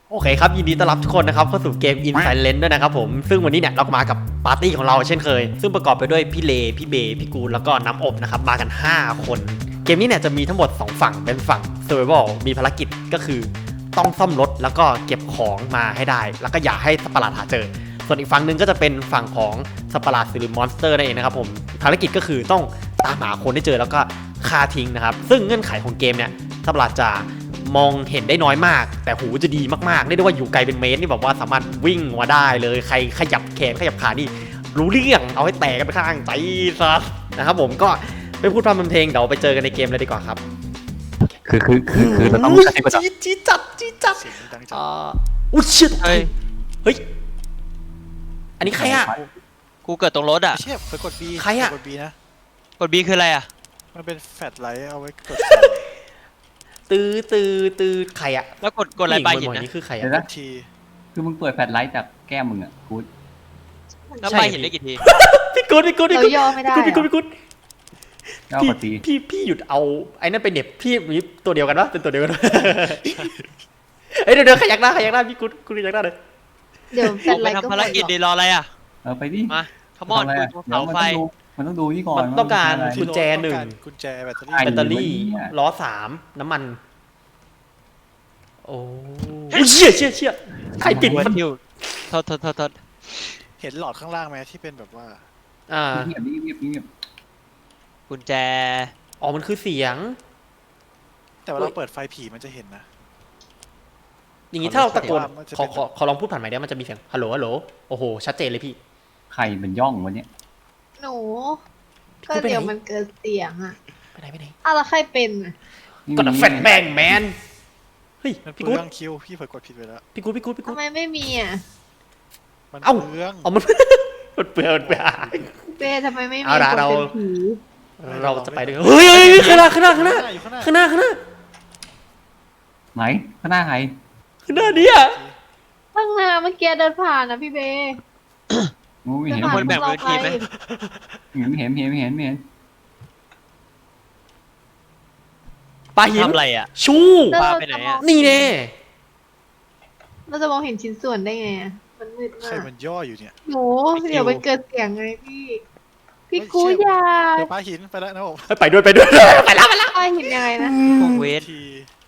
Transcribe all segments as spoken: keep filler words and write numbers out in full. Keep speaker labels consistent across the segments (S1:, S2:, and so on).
S1: โอเคครับยินดีต้อนรับทุกคนนะครับเข้าสู่เกม In Silence ด้วยนะครับผมซึ่งวันนี้เนี่ยเรามากับปาร์ตี้ของเราเช่นเคยซึ่งประกอบไปด้วยพี่เลพี่เบพี่กูลแล้วก็น้ำอบนะครับมากันห้าคนเกมนี้เนี่ยจะมีทั้งหมดสองฝั่งเป็นฝั่ง Survival มีภารกิจก็คือต้องซ่อมรถแล้วก็เก็บของมาให้ได้แล้วก็อย่าให้สัตว์ประหลาดหาเจอส่วนอีกฝั่งหนึ่งก็จะเป็นฝั่งของสัตว์ประหลาดหรือมอนสเตอร์นั่นเองนะครับผมภารกิจก็คือต้องตามหาคนที่เจอแล้วก็ฆ่าทิ้งนะครับซึ่งเงื่อนไขของเกมเนี่ยสัตว์ประหลาดจะมองเห็นได้น้อยมากแต่หูจะดีมากๆเรียกได้ว่าอยู่ไกลเป็นเมตรนี่แบบว่าสามารถวิ่งมาได้เลยใครขยับแขนขยับขานี่รู้เรื่องเอาให้แตกกันไปข้างใจซะนะครับผมก็ไม่พูดพร่ำทำเพลงเดี๋ยวไปเจอกันในเกมเลยดีกว่าครับ
S2: คือคือคือคือเราต้องกระซิบกระซิบ
S1: จี๊ดจี๊ดจัดจี๊ดจัด
S3: เสียงดังจัง
S1: อ่าอุ้ยชิด
S4: เฮ้ย
S1: เฮ้ยอันนี้ใครอะ
S4: กูเกิดตรงรถอ่ะ
S3: ไม่ใช่เฟิร์สกด B
S1: ใครอะ
S3: กด B นะ
S4: กด B คืออะไรอ่ะ
S3: มันเป็นแฟลชไลท์เอาไว้กด
S1: ตื้อตื้อตื้อใครอะ
S4: แล้วกดกดอะไรไปหิน
S1: ผู้หญิง
S4: นะ
S1: นี่คือใคร
S2: เดี๋ยว
S1: อะ
S2: นะ
S3: ที
S2: คือมึงเปิดแฟลชไลท์จากแก้มมึงอ่ะกู
S4: แล้ว
S1: ใช่
S4: ไปหินได้กี่ที
S1: พี่กุ๊ดพี่กุ๊ดพี่
S5: เรา
S1: กุ๊ด
S5: ย่อไม่ได้
S1: พี่กุ๊ดพี่กุ๊ด
S2: แล้ว
S1: พี่
S2: ปฏิ
S1: พี่พี่หยุดเอาไอ้นั่นไปเหน็บพี่มีตัวเดียวกันปะเป็นตัวเดียวกันปะเอ้ยเดี๋ยวเดี๋ยวขยักหน้าขยักหน้าพี่กุ๊ดกุ๊ดขยักหน้าเลย
S5: เดี๋ยว
S4: ผ
S5: เป็น
S4: ม
S5: ไร
S4: ไป
S5: ก็
S4: ทำภารกิจดีรออะไรอ่ะ
S2: เออไปดิ
S4: มาขมอน
S2: ทำอะไร
S4: กู
S2: อะ
S4: เสาไฟ
S2: เดี๋ยวมันต้องดูมันต้องดูนี่ก่อน
S1: มันต้องการ
S2: ว่า
S1: กุญแจหนึ่ง
S3: กุญแจแบตเตอรี่
S2: ไอ้
S1: แบตเตอรี่
S2: เนี่ย
S1: ล้อสามน้ำมันโอ้ยเชี่ยเชี่ยเชี่ยใครปิด
S4: หัว
S1: มัน
S4: ทิวโทษโทษโทษโทษ
S3: เห็นหลอดข้างล่างไหมที่เป็นแบบว่า
S1: อ่า
S2: เงียบเงียบเงียบเงียบ
S4: กุญแจ
S1: อ๋อมันคือเสียง
S3: แต่ว่าเราเปิดไฟผีมันจะเห็นนะ
S1: อย่างงี้ถ้าเราตะโกน
S3: มันจะ
S1: ขอ
S3: เป็น
S1: ขอขอลองพูดผ่านไมค์ได้มันจะมีเสียงฮัลโหลฮัลโหลโอ้โหชัดเจนเลยพี่
S2: ใครมันย่องวันเนี้ย
S5: หนู ก็เดี๋ยวมันเกิดเสียงอ่ะ
S1: ไปไหนไปไหน
S5: อ้าวแล้วใครเป็นอ่ะ
S1: ก็ดับแฟนแบงแมนเฮ้ย
S3: มันเป
S1: พี่
S3: ลื
S1: กู๊ด
S3: องคิวพี่เปิดกดผิดไปแล้ว
S1: พี่กู๊ดพี่กู๊ดพี่กู๊
S5: ทำ
S1: ด
S5: ไมไม่มีอ่ะ
S3: มัน
S1: เอ้า
S3: เปลือง
S1: เอามัน มันเปลือยมันเปลือย
S5: เป้ทำไมไม่มี
S1: เอาละ
S5: คน
S1: เรา
S5: เป็นผี
S1: เราจะไปด้วยกันเฮ้ยเฮ้ยเฮ้ยข้างหน้าข้างหน้าข้างหน้า
S3: อยู่ข้างหน้า
S1: ข้างหน้าข้างหน้า
S2: ไหนข้างหน้าใคร
S1: ข้างหน้าเนี่ย
S5: ข้างหน้าเมื่อกี้เดินผ่านนะพี่เบ
S2: งูไม่
S5: เดิน
S2: เห็น
S5: ผ่าน
S4: คนแบ่ง
S5: เรา
S4: พื้นที่ไหม
S2: ไม่เห็นไม่เห็นไม่เห็นไม่เห็น
S1: ปลาหิน
S4: ทำอะไรอ่ะ
S1: ชู
S5: แล้ว
S4: ปลา
S5: เรา
S4: ไปไหน
S5: จะม
S4: อะ
S5: อง
S1: นี่แน่
S5: เราจะมองเห็นชิ้นส่วนได้ไงอ่ะมันมืด
S3: ใค
S5: มาร ก
S3: มันย่ออยู่เนี่ย
S5: หนูเดี๋ยวมันเกิดเสียงไงพี่ พี่
S3: เฮ้ย
S5: กู
S3: เชี่ย
S5: อยา
S3: เดี๋ยวปลาหินไปแล้วนะผม
S1: เฮ้ยไปด้วยไปด้วยไปแล้วไปแล้ว
S5: ป้าเห็นยังไงนะ
S4: พวกเวท
S3: ที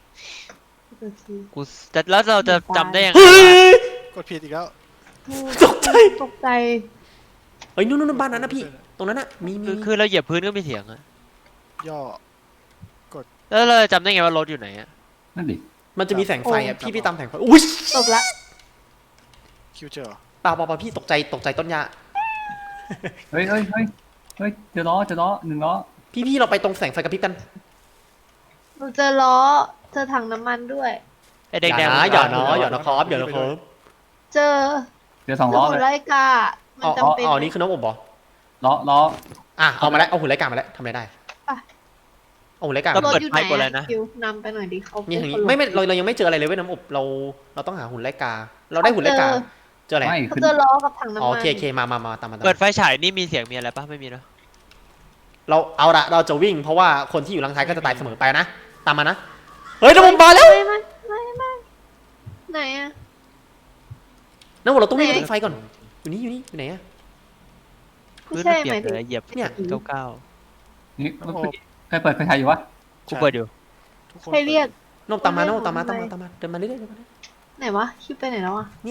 S4: กูจะแล้วเราจะจำได้ยังไง
S1: เฮ้ย
S3: กดผิดอีกแล้ว
S1: ตกใจ
S5: ตกใจ
S1: เฮ้ยนู่นนู่นบ้านนั้นนะพี่ตรงนั้นน่ะมีมี
S4: คือคือเราเหยียบพื้นก็มีเสียงอ่ะ
S3: ย่อ
S4: แล้วเราจะจำได้ไงว่ารถอยู่ไหนอ่ะ
S2: นั่นดิ
S1: มันจะมีแสงไฟอ่ะพี่พี่ตามแสงไฟอุ้ย
S5: จบละ
S3: คิวเจอเหรอ
S1: เปล่าเปล่าเปล่าพี่ตกใจตกใจต้นยา
S2: เฮ้ยเฮ้ยเฮ้ยเฮ้ยเจอล้อเจอล้อหนึ่งล้อ
S1: พี่พี่เราไปตรงแสงไฟกระพริบกัน
S5: หนูเจอล้อเจอถังน้ำมันด้วย
S4: ไอ้
S1: อ
S4: แดง
S1: ย่า
S4: แดง
S1: นะอย่านะอย่านะครับอย่านะครับ
S5: เจอ
S2: เจอสองล้อ
S5: หุ่
S2: เล
S5: น
S2: ย
S5: ไล่กา มัน
S1: อ๋อ
S5: จำเป็น
S1: อ๋อนี่คือน้องอบเหรอ
S2: ล้อล้อ
S1: อ่ะเอามาแล้วเอาหุ่นไร้กามาแล้วทำอะไรได้เอาหุ่นไร้กา
S5: รถอยู่ไหนอะคิวนำไปหน่อยดิเขา
S1: นี่
S5: เป็
S1: ทาง
S5: ค
S1: นี้
S5: นลง
S1: ไม่ไม่เราเรายังไม่เจออะไรเลยเว้ยน้ำอบเราเราต้องหาหุ่นไร้กา เราได้หุ่นไร้กาเจออะไร
S2: ไม่
S5: เขา
S2: ขึ้น
S5: เจอล้อกับถังน้ำ
S1: อ๋อ
S5: มั
S1: โอน เคโอเคมามามาตามมาตาม
S4: เปิด
S1: มา
S4: ไฟฉายนี่มีเสียงมีอะไรปะไม่มีเนอะ
S1: เราเอาละเราจะวิ่งเพราะว่าคนที่อยู่หลังท้ายก็จะตายเสมอไปนะตามมานะเฮ้ยน้ำอบมาแล้ว
S5: ไม่ไม่ไม่ไม่ไหนอะ
S1: น้ำอบเราต้องวิ่งไปตรงไฟก่อนอยู่นี่อยู่นี่อยู่ไหนอะ
S5: ไม่
S4: พื้น
S5: ใช่
S4: มันเป
S5: ห
S4: ลี่ย
S5: มาน ยถึง
S4: เลยเหยียบ
S1: เนี่ย
S4: เก้าเก้า
S2: นี่เมื่อกี้ใครเปิดไฟฉายอยู่วะ
S4: กูเปิดอยู่
S3: ทุกคน
S5: ใครเรียก
S1: น้ำอบตามมาน้ำอบตามมาตามมาตามมาเดินมาเรื่อยๆเดินมาเรื่อย
S5: ไหนวะคิวไปไหนแล้วอะ
S1: ๆเนี่ย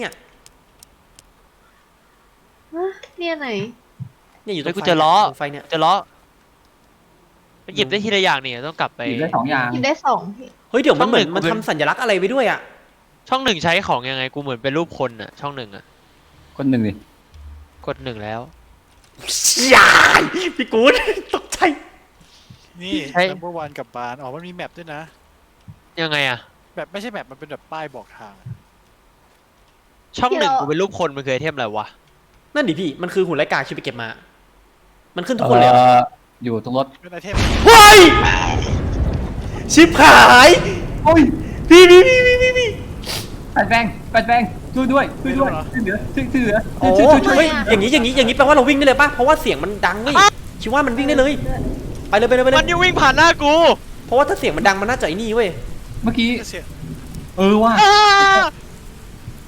S5: ฮะเนี่ยไหน
S1: เนี่ยอยู่ตร
S4: เฮ้ย
S1: ง
S4: กู
S1: ไฟ
S4: เจอล้อ
S1: ตรงไฟเนี่ย
S4: จะล้อมันหยิบได้ทีละอย่างนี่ต้องกลับไป
S2: หยิบได้สองอย่าง
S5: กินได้สองพี่
S1: เฮ้ยเดี๋ยวมันเหมือน
S4: ช่องหนึ่ง
S1: มันทำสัญลักษณ์อะไรไว้ด้วยอะ
S4: ช่องหนึ่งใช้ของยังไงกูเหมือนเป็นรูปคนอ่ะช่องหนึ่งอ่ะ
S2: คนหนึ่งดิ
S4: กดหนึ่งแล้ว
S1: ยายพี่กู๊ดตกใจ
S3: นี่
S4: ใช่
S3: number one กับบานอ๋อมันมีแมปด้วยนะ
S4: ยังไงอ่ะ
S3: แบบไม่ใช่แมปมันเป็นแบบป้ายบอกทาง
S4: ช่องหนึ่งกูเป็นรูปคนมันคือไอเทมอะไรวะ
S1: นั่นดิพี่มันคือหุ่นไร้กาคิวไปเก็บมา มันขึ้นทุกคนเลยเหรอ
S2: อ่ออยู่ตรงรถ
S3: เป็นไอเทม
S1: เฮ้ยชิบหาย
S2: โอ้ย
S1: พี่พี่พี่พี่พี่พี่
S2: แปดแบงแปดแบงช่วยด้วยช่วยด้วยช่วยเหลือช่วยช่วยเหลือ
S1: โอ้
S2: ช่วยช่วยช่วย
S1: เฮ้ยอย่างนี้อย่างนี้อย่างนี้แปลว่าเราวิ่งได้เลยป่ะเพราะว่าเสียงมันดังเว้ยคิดว่ามันวิ่งได้เลยไปเลยไปเลยไปเล
S4: มัน
S1: ย
S4: ยังวิ่งผ่านหน้ากู
S1: เพราะว่าถ้าเสียงมันดังมันน่าจะไอ้นี่เว้ย
S2: เมื่อกี้
S3: เสียง
S2: เออว่ะ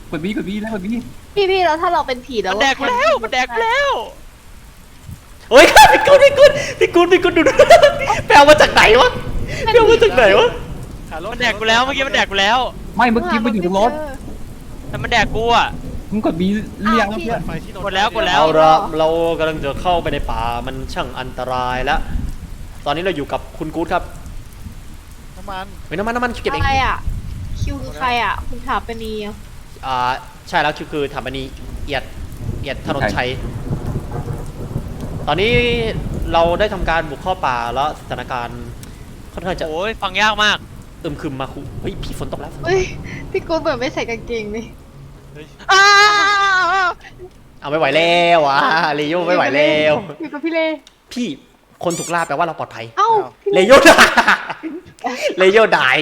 S2: กดบีกดบีแล้วกดบี
S5: พี่พี่แล้วถ้าเราเป็นผีแล้ว
S4: มันแดกกูแล้วมันแดกกูแล้ว
S1: เฮ้ยพี่กูดพี่กูดพี่กูดพี่กูดดูดูไปเอามาจากไหนวะไปเอามาจากไหนวะ
S3: หารถ
S4: มันแดกกูแล้วเมื่อกี้มันแดกกูแล้ว
S2: ไม่เมื่อกี้มันอยู่ตรงรถ
S4: แต่มันแดกกูอ่ะ
S2: มึงกดบีเรียงแล้วเพื่อน
S3: ไฟที่รถ
S4: กดแล้วกดแล้ว
S1: เอาละเรากำลังจะเข้าไปในป่ามันช่างอันตรายแล้วตอนนี้เราอยู่กับคุณกู๊ดครับ
S3: น้ำมัน
S1: เฮ้ยน้ำมันน้ำมันเก็บเอง
S5: อะไรอ่ะคิวคือใครอ่ะคุณถาปนีอ่ะ
S1: อ่าใช่แล้วคือคือถามอันนี้เอียดเอียดถนนชัยตอนนี้เราได้ทำการบุกเข้าป่าแล้วสถานการณ์ค่อนข้างจะ
S4: โอ้ยฟังยากมาก
S1: อึมครึมมาคุเฮ้ยพี่ฝนตกแล้ว
S5: เฮ้ยพี่กูเหมือนไม่ใส่กางเกงเลย
S4: อ้าว
S1: เอาไม่ไหวแล้วอ่ะเลโยไม่ไหวแล้ว
S5: อยู่กับพี่เล่
S1: พี่คนถูกล่าแปลว่าเราปลอดภัย
S5: เอ้าพี่
S1: เลโยดายเลโยดาย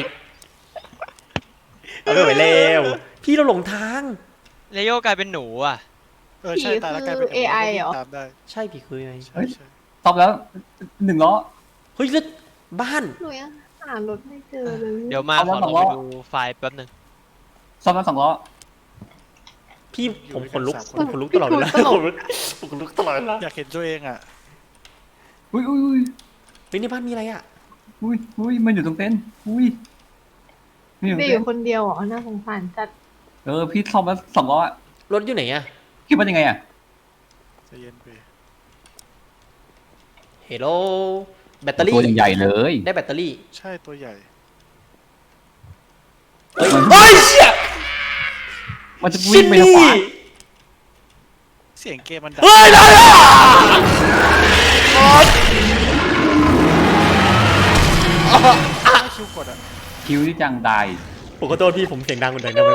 S1: เอาไม่ไหวแล้วพี่เราหลงทาง
S4: เลโยกลายเป็นหนูอ่ะ
S3: เออใช่ตายแล้วกลายเป็น
S5: เอไอเหรอ
S3: ตามได้
S1: ใช่พี่คือไง
S3: ใช่ใช่
S2: ตอบแล้วหนึ่งล้อ
S1: เฮ้ยแล้วบ้าน
S5: หนูยังหารถไม่เจอเลย
S4: เดี๋ยวมา
S2: เอา
S4: ข
S2: แล้
S4: อ
S2: ว
S4: ลอง
S2: บอก
S4: ไป
S2: ว่า
S4: ดูไฟล์แป๊บหนึง
S2: ซ่อมแล้วสองล้อ
S1: พี่ผมขนลุกผมขนลุกตลอดเวลาผมขนลุกตลอดเวลา
S3: อยากเห็นตัวเองอ่ะ
S2: อุ้ยอุ้ยอุ้ย
S1: เฮ้ยในบ้านมีอะไรอ่ะ
S2: อุ้ยอุ้ยมันอยู่ตรงเต็นท์อุ้ยนี่อยู่
S5: พี่อ
S2: เต็น
S5: ยู่
S2: ท์
S5: คนเดียวเหรอน่าสงสารจัด
S2: เออพี่ซ่อมแล้วสองล้ออะ
S1: รถอยู่ไหนอ่ะ
S2: คิดว่ายังไงอ่ะ
S3: ใจเย็นไป
S1: เฮลโลแบตเตอรี่
S2: ตัวใหญ่ๆเลย
S1: ได้แบตเตอรี่
S3: ใช่ตัวใหญ่
S1: เฮ้ยเฮ้ยเชี่ย
S2: มันจะวิ่งไปทางขวา
S3: เสียงเกมมันดัง
S1: เฮ้ยได้แล้ว
S3: ถ้าคิวกดอ่ะ
S2: คิวที่จังตาย
S1: ผมขอโทษพี่ผมเสียงดังคนเดิมได้ไหม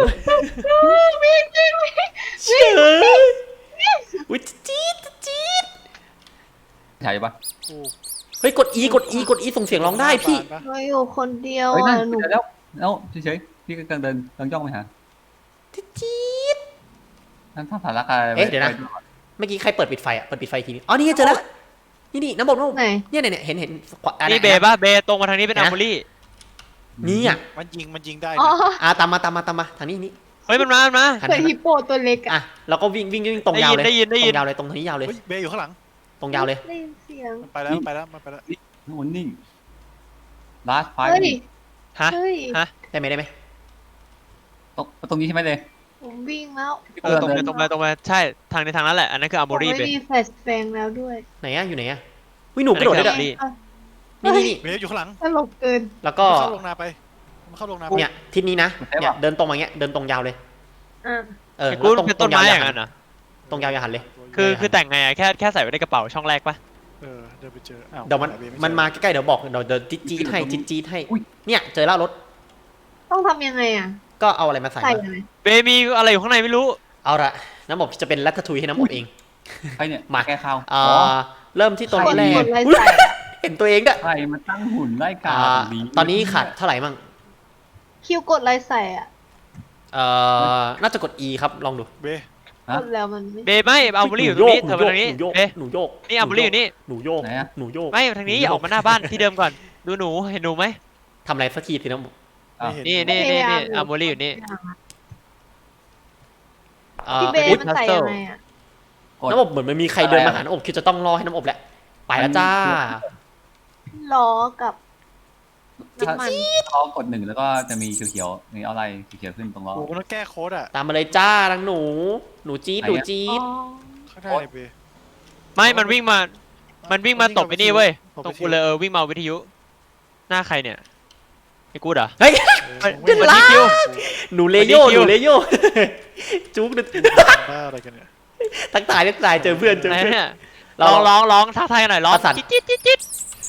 S1: เชี่ยอุ้ยจี๊ดจี๊ด
S2: ใช่ปะ
S3: กู
S1: เฮ้ยกด E กด E กด E ส่งเสียงร้องได้พี่
S3: ปะ
S5: เราอยู่คนเดียว
S2: เฮ้ยนั่
S5: อ่ะ
S2: น
S5: หนู
S2: เจอแล้วแล้วเฉยๆพี่ก็กำลังเดินกำลังย่องไปหา
S1: จี๊ด
S2: นั่นถ้าสารคดี
S1: เอ๊ะเดี๋ยวนะ เมื่อกี้ใครเปิดปิดไฟอ่ะเปิดปิดไฟทีนี้อ๋อนี่ไงเจอแล้วนี่นี่น้ำบอกน้ำบอก
S5: ไหน
S1: เนี่ยเนี่ยเนี่ยเห็นเห็นขวาอ่ะ
S4: นี่
S1: ไห
S4: เบ
S1: น
S4: ย์ป่ะเบย์ตรงมาทางนี้เป็น
S1: เห็น
S4: อั
S1: นะ
S4: มบูรี่
S1: นี่อ่ะ
S3: มันยิงมันยิงได้
S5: อ๋อ
S3: นะ
S1: อ่ะตามมาตามมาตามมาทางนี้นี่
S4: เฮ้ยมันมามันมา
S1: หัน
S5: เคย
S1: หัน
S5: ฮิปโปตัวเล็ก
S1: อ่ะ
S5: อ่ะ
S1: เราก็วิ่งวิ่งวิ่งตรงยาวเลย
S4: ได้ยินได้ยินได้ยิน
S1: ตรงยาวเลยตรงนี้ยาวเลย
S3: เฮ้ยเบย์อยู่ข้างหลัง
S1: ตรงยาวเลย
S5: ได้ยินเสียง
S3: มันไปแล้วมันไปแล้วมันไปแล้ว
S2: นู่นนิ่งลาสไฟ
S5: เฮ้ย
S4: ฮะ
S5: เฮ้ย
S4: ฮะ
S1: ได้ไหมได้ไหม
S2: ตรงตรงนี้ใช่ไหมเลย
S5: ผมวิ่งแล้ว
S4: เออตรงไปตรงไปตรงไปใช่ทางในทางนั้นแหละอันนั้นคืออัม
S5: ผ
S4: บู
S5: ม
S4: รี่
S5: ไม่
S4: เบย์
S5: มีแฟลชแบงแล้วด้วย
S1: ไหนอ่ะอยู่ไหนอ่ะวิหนูกระโดดได้ด้วย
S4: อันนี้
S5: อ่ะ
S1: นี่นี่นี่
S3: เบย์อยู่ข้างหลัง
S5: ตลกเกิน
S1: แล้วก็
S3: เข้าลงนาไปมันเข้าลงนาไป
S1: เนี่ยทิศนี้นะเนี่ยเดินตรงมาเงี้ยเดินตรงยาวเลย
S5: อ่ะ
S1: เออ
S4: ไอ้
S1: แล้
S4: กู
S1: วตรง
S4: เป็น
S1: ตร
S4: ต้น
S1: งยา
S4: ไม้
S1: ว
S4: อ
S1: อย่า
S4: ย่าง
S1: หั
S4: นั้น นเหรอ
S1: ตรงยาวอย่าหันเลย
S4: คือคือแต่งไงอะแค่แค่ใส่ไว้ในกระเป๋าช่องแรกปะ
S3: เออเดินไปเจออ้าว
S1: เดี๋ยวมัน
S3: หาบย์ไเจอ
S1: มันมาใกล้ๆเดี๋ยวบอกเดี๋ยวเดี๋ยวจี๊ดจี๊ดให้จี๊ดจี๊ดให้เนี่ยเจอแล้วรถ
S5: ต้องทำยังไงอ่ะ
S1: ก็เอาอะไรมาใส่
S5: ใส่
S1: มา
S5: อะไร
S4: เบย์มีอะไรอยู่ข้างในไม่รู้
S1: เอาละน้ำอบจะเป็นรัตทุยให้น้ำอบเอง
S2: ใครเนี่ย
S1: มา
S2: แก้ข่าว
S1: อ่าเริ่มที่ตัว
S5: กด
S1: แร
S5: ก
S1: ก
S5: ดอะไร
S1: อุ๊ย
S5: ใส่อะ
S1: เห็นตัวเองด้วย
S2: ใครมาตั้งหุ่นไล่กา
S1: อ่า
S2: ตรงนี้
S1: ตอนนี้ขาดเท่าไหร่มั่ง
S5: คิวกดอะไรใส่อ่ะ
S1: เอ่อน่าจะกด E ครับลองดู
S3: เบย์
S5: กดแล้วมันไม่
S4: เบย์ไม่อัมบูรี่อยู่ตรงนี้เธอมาทางนี้
S1: หนูโยก
S4: เบย์
S1: หนูโยก
S4: นี่อัมบูรี่อยู่นี่
S1: หนูโยก
S2: ไหนอะ
S1: หนูโยก
S4: ไม่ทางนี้อย่าออกมาหน้าบ้านที่เดิมก่อนดูหนูเห็นหนูไหม
S1: ทำอะไรสักทีสิน้ำอบ
S2: อ่ะ
S3: ไม่เห็น
S4: นี่นี่นี่นี่อัมบูรี่อยู่นี่
S1: อ่า
S5: พี่เบย์
S1: อุ๊ย
S5: มันใส่ยังไงอ่ะ
S2: กด
S1: น้ำอบเหมือนมันมีใครเดินมาหาน้ำอบคือจะต้องรอให้น้ำอบแหละไปแล้วจ้า
S5: ล้อกับน้ำมัน
S2: เขากดหนึ่งแล้วก็จะมีเขียวๆมีอะไรเขียวๆขึ้นตรงล้อ
S3: โอ้โหต้องแก้โค้ดอ่ะ
S1: ตามมาเลยจ้านังหนู หนูจี๊ด
S2: ไหน
S1: หนู
S2: อะ
S1: จี๊
S5: อ๋
S1: ด
S5: อ
S3: ข้างหน้าเลยเบย์
S4: ไม่มันวิ่งมา มันวิ่งมาตบไปนี่เว้ย
S3: ตบ
S4: ตรง
S3: ไป
S4: กูเลยเออวิ่งมาวิทยุ หน้าใครเนี่ยไอ้กูเหรอ
S1: เฮ้ย
S3: เออ
S4: เดี๋ยว
S3: ไม่
S4: ลา
S3: คิว
S1: หนูเลโย
S4: สวัสดีคิ
S1: ห
S4: ว
S1: นูเลโย จุ๊กหนู
S3: บ้าอะไรกันเนี่ย
S1: ทักทายทักทายเจอเพื่อนเจอ
S4: ไหน
S1: เพื่อน
S4: เนี่ย
S1: เรา
S4: ร้องร้องร้องท้าทายกันหน่อยร้อง
S1: ประสาน
S4: จิ๊ดจิ๊ดจิ๊ดจิ๊ด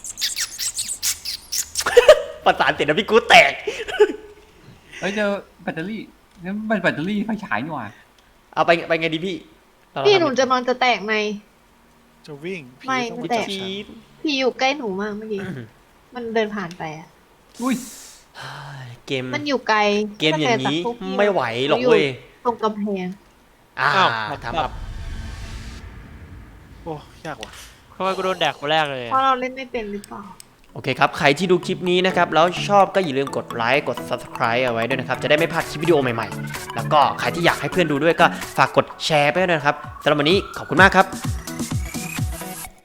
S1: ประสานเสร็จแล้วพี่กูแตก
S2: เฮ้ยเจอแบตเตอรี่นี่มันแบตเตอรี่ไฟฉายนี่หว่า
S1: เอาไปไปไงดีพี่เรา
S5: พี่
S1: ทำ
S5: หนูจะมันจะแตกใน
S3: จะวิ่งผี
S5: ไม่
S3: ต้อง
S5: ไม่
S3: วิ่ง
S5: แตะ
S3: จับฉัน
S1: จี๊ด
S5: พี่อยู่ใกล้หนูมากเมื่อกี้ มันเดินผ่านไปอ่ะ
S2: อุ้ย
S1: เกม
S5: มันอยู่ไกล
S1: เกมอย่างนี้
S5: ตั้แต่จากพวกพี่
S1: ไม่ไหวหรอกเว้ย
S5: ตรงกำแพง
S1: อ่า
S4: อ้าว
S1: ถามแบบ
S3: โอ้ยากว่ะ
S4: ทำไมกูโดนแดกคนแรกเลย
S5: เพราะเราเล่นไม่เป็นหรือเปล่า
S1: โอเคครับใครที่ดูคลิปนี้นะครับแล้วชอบก็อย่าลืมกดไลค์กด ซับสไครบ์ เอาไว้ด้วยนะครับจะได้ไม่พลาดคลิปวิดีโอใหม่ๆแล้วก็ใครที่อยากให้เพื่อนดูด้วยก็ฝากกดแชร์ไปด้วยนะครับสำหรับวันนี้ขอบคุณมากครับ